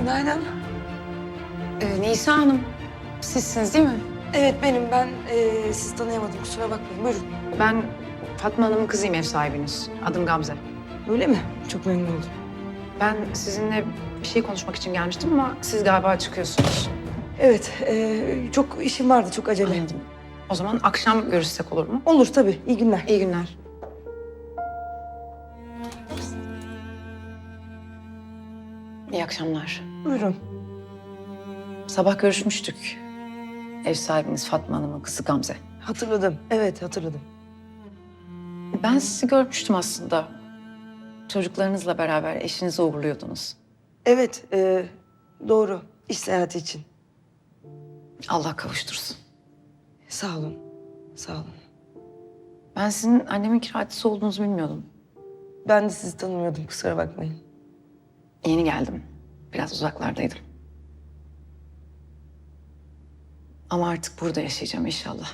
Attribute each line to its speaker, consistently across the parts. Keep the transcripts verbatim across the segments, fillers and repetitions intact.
Speaker 1: Günaydın.
Speaker 2: Ee, Nisa Hanım, sizsiniz değil mi?
Speaker 1: Evet benim. Ben e, sizi tanıyamadım. Kusura bakmayın. Buyurun.
Speaker 2: Ben Fatma Hanım'ın kızıyım, ev sahibiniz. Adım Gamze.
Speaker 1: Öyle mi? Çok memnun oldum.
Speaker 2: Ben sizinle bir şey konuşmak için gelmiştim ama siz galiba çıkıyorsunuz.
Speaker 1: Evet. E, çok işim vardı. Çok acele.
Speaker 2: Anladım. O zaman akşam görüşsek olur mu?
Speaker 1: Olur tabii. İyi günler.
Speaker 2: İyi günler. İyi akşamlar.
Speaker 1: Buyurun.
Speaker 2: Sabah görüşmüştük. Ev sahibiniz Fatma Hanım'ın kızı Gamze.
Speaker 1: Hatırladım. Evet hatırladım.
Speaker 2: Ben sizi görmüştüm aslında. Çocuklarınızla beraber eşinizi uğurluyordunuz.
Speaker 1: Evet. E, doğru. İş seyahati için.
Speaker 2: Allah kavuştursun.
Speaker 1: Sağ olun. Sağ olun.
Speaker 2: Ben sizin annemin kiracısı olduğunuzu bilmiyordum.
Speaker 1: Ben de sizi tanımıyordum. Kusura bakmayın.
Speaker 2: Yeni geldim. Biraz uzaklardaydım. Ama artık burada yaşayacağım inşallah.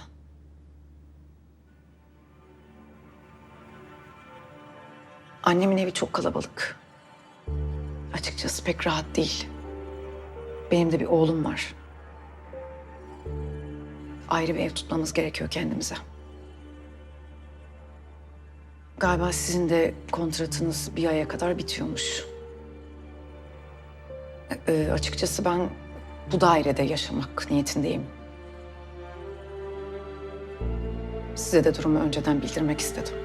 Speaker 2: Annemin evi çok kalabalık. Açıkçası pek rahat değil. Benim de bir oğlum var. Ayrı bir ev tutmamız gerekiyor kendimize. Galiba sizin de kontratınız bir aya kadar bitiyormuş. Ee, açıkçası ben bu dairede yaşamak niyetindeyim. Size de durumu önceden bildirmek istedim.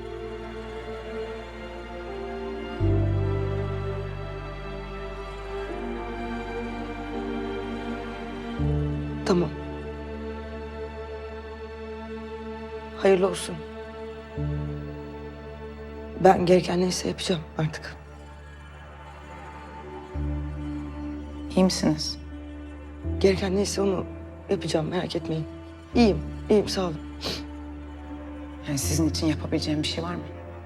Speaker 1: Tamam. Hayırlı olsun. Ben gereken neyse yapacağım artık.
Speaker 2: İyi misiniz?
Speaker 1: Gereken neyse onu yapacağım. Merak etmeyin. İyiyim. İyiyim. Sağ olun.
Speaker 2: Yani sizin için yapabileceğim bir şey var mı?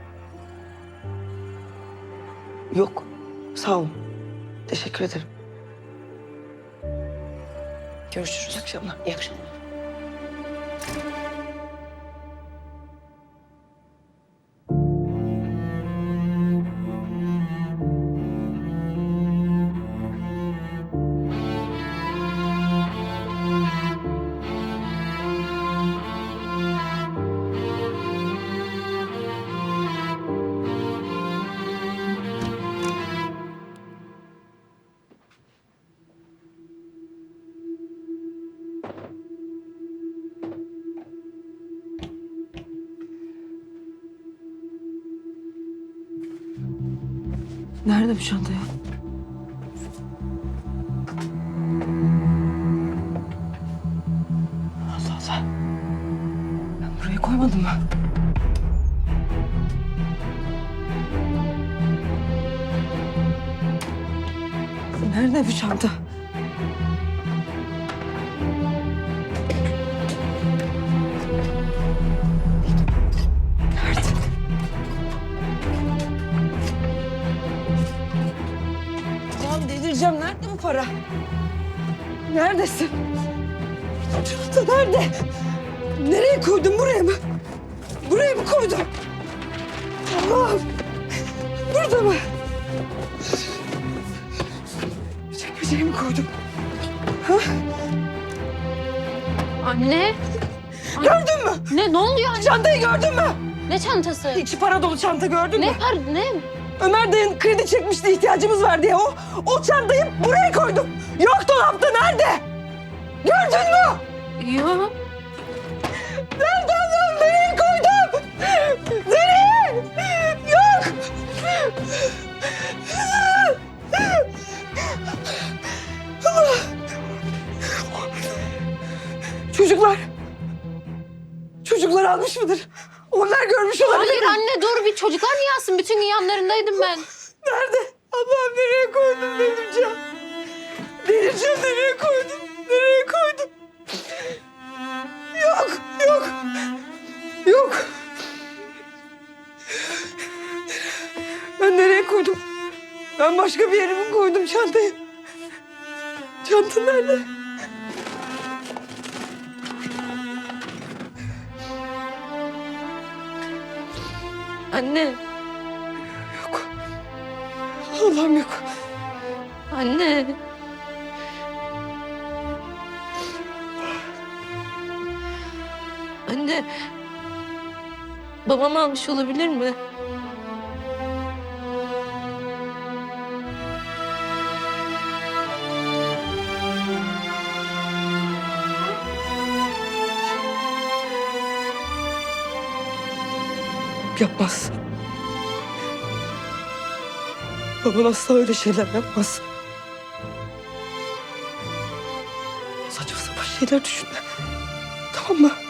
Speaker 1: Yok. Sağ olun. Teşekkür ederim.
Speaker 2: Görüşürüz.
Speaker 1: İyi akşamlar.
Speaker 2: İyi akşamlar.
Speaker 1: Nerede bu çanta ya? Allah Allah. Ben buraya koymadım mı? Nerede bu çanta? Nerede? Allah'ım delireceğim. Nerede bu para? Neredesin? Çanta nerede? Nereye koydun? Buraya mı? Buraya mı koydun? Allah'ım. Burada mı? Çekmeceye mi koydum? Ha?
Speaker 3: Anne.
Speaker 1: Gördün mü?
Speaker 3: Ne? Ne oluyor anne?
Speaker 1: Çantayı gördün mü?
Speaker 3: Ne çantası?
Speaker 1: İçi para dolu çanta gördün
Speaker 3: Ne
Speaker 1: mü?
Speaker 3: par? Ne?
Speaker 1: Ömer dayın kredi çekmişti, ihtiyacımız var diye. O, o çantayı buraya koydum. Yok dolapta, nerede? Gördün mü?
Speaker 3: Yok.
Speaker 1: Nerede Allah'ım? Nereye koydum? Nereye? Yok. Allah. Çocuklar. Çocuklar almış mıdır? Onlar görmüş olabilir.
Speaker 3: Hayır anne dur bir çocuklar niye alsın? Bütün gün yanlarındaydım ben.
Speaker 1: Nerede? Allah'ım nereye koydum delireceğim. Delireceğim, nereye koydum? Nereye koydum? Yok, yok. Yok. Ben nereye koydum? Ben başka bir yere mi koydum çantayı? Çanta nerede? Anne. Yok. Allah'ım yok.
Speaker 3: Anne. Anne. Babam almış olabilir mi?
Speaker 1: Yapmaz. Baban asla öyle şeyler yapmaz. Saçma sapan şeyler düşünme. Tamam mı?